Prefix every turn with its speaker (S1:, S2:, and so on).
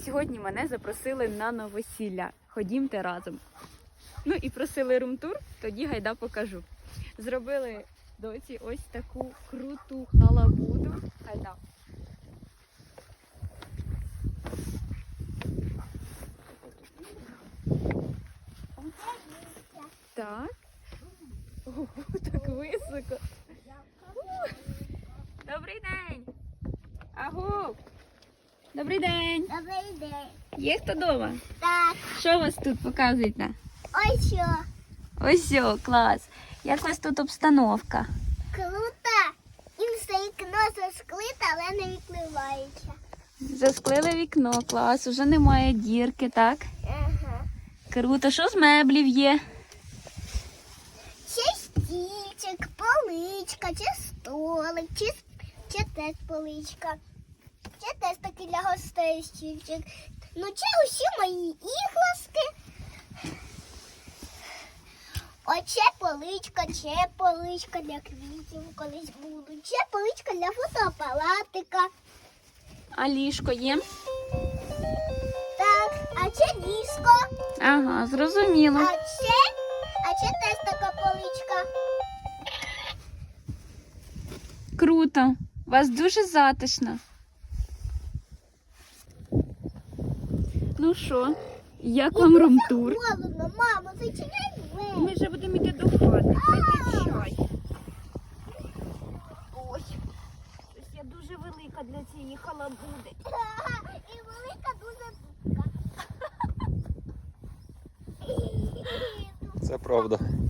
S1: Сьогодні мене запросили на новосілля. Ходімте разом. Ну і просили румтур, тоді гайда покажу. Зробили доці ось таку круту халабуду. Гайда. Так. Ого, так високо. Добрий день. Агу. Добрий день.
S2: Добрий день.
S1: Є хто вдома?
S2: Так,
S1: Що у вас тут показуєте?
S2: ось що.
S1: Ось о, клас. Як у вас тут обстановка?
S2: Круто. І все вікно засклите, але не відкривається.
S1: Засклили вікно, клас. Уже немає дірки, так?
S2: Ага.
S1: Круто. Що з меблів є?
S2: Ще стільчик, поличка, чи столик, чи теж поличка. Чи теж таки для гостей стільчик. Ну, це усі мої іграшки. Оце поличка для квітів колись будуть. Це поличка для фотоапаратика.
S1: А ліжко є?
S2: Так, а це ліжко.
S1: Ага, зрозуміло.
S2: А це теж така поличка.
S1: Круто. У вас дуже затишно. Ну що, як вам румтур?
S2: Холодно, мамо, зачиняй двері.
S1: Ми вже будемо йти до хати. Пийте чай. Ой, щось я дуже велика для цієї халабуди.
S2: І велика дуже.
S3: Це правда.